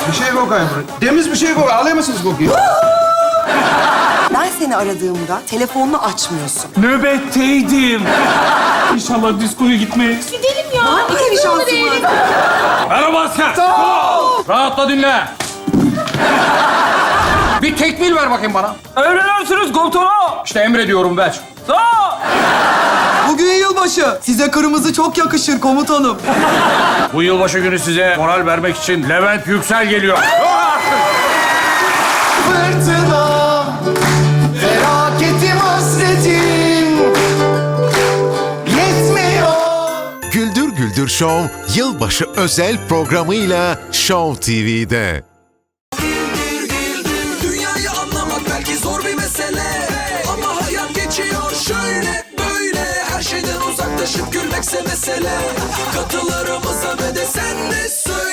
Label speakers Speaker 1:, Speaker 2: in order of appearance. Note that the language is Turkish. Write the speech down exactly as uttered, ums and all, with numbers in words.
Speaker 1: Bir şey kokayım. Temiz bir şey kokayım. Alıyor musunuz kokuyu?
Speaker 2: Ben seni aradığımda telefonunu açmıyorsun.
Speaker 3: Nöbetteydim. İnşallah diskoya gitmeyiz.
Speaker 4: Gidelim ya.
Speaker 2: Bir kere şansım var.
Speaker 3: Merhaba asker. Rahatla dinle.
Speaker 1: Bir tekmil ver bakayım bana.
Speaker 3: Emredersiniz komutanım.
Speaker 1: İşte emrediyorum ver.
Speaker 3: Sağ.
Speaker 5: Bugün yılbaşı. Size kırmızı çok yakışır komutanım.
Speaker 3: Bu yılbaşı günü size moral vermek için Levent Yüksel geliyor.
Speaker 5: Fırtına, felaketim, hasretim yetmiyor.
Speaker 6: Güldür Güldür Show yılbaşı özel programıyla Show T V'de.
Speaker 7: Dünyayı anlamak belki zor bir mesele, ama hayat geçiyor şöyle böyle. Her şeyden uzaklaşıp gülmekse mesele. Katılarımıza ve de sen de söyle.